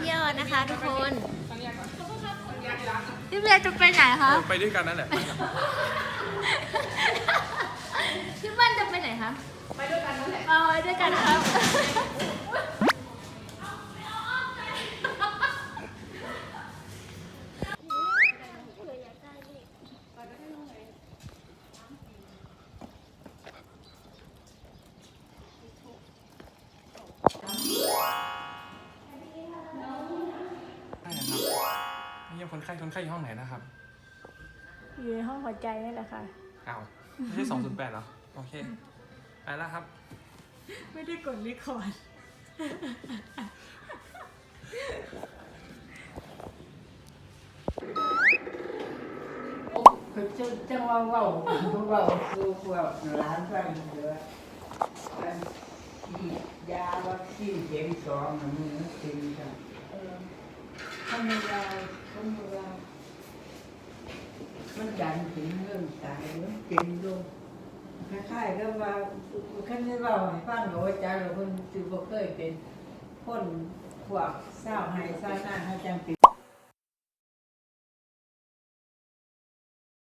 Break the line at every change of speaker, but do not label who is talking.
เที่ยวนะคะทุกคนพี่เบียร์จะไปไหนคะ
ไปด้วยกันนั่นแหละ
พี่บ้านจะไปไหนคะไปด้วยกันนั่นแหละไปด้วยกันครับ
เยี่ยมคนไข้อยู่ห้องไหนนะครับ
อยู่ในห้องหัวใจนี่แหละค่ะ
อ้าวไม่ใช่208เหรอ โอเค ไปแล้วครับ
ไม่ได้กดรีคอร์ด
คือจังว่าเว้าสู่พวกหลานฟังเด้ออันที่ยาวัคซีนเข็ม2น่ะมือจริงจ้ะทำเรามันดันถึงเรื่องตายมันเป็นลงคล้ายๆกับว่าคันได้เว้าให้ฟังว่าจ้าเราเพิ่นสิบ่เคยเป็นคนพวกเศร้าให้เศร้าหน้าเฮาจัง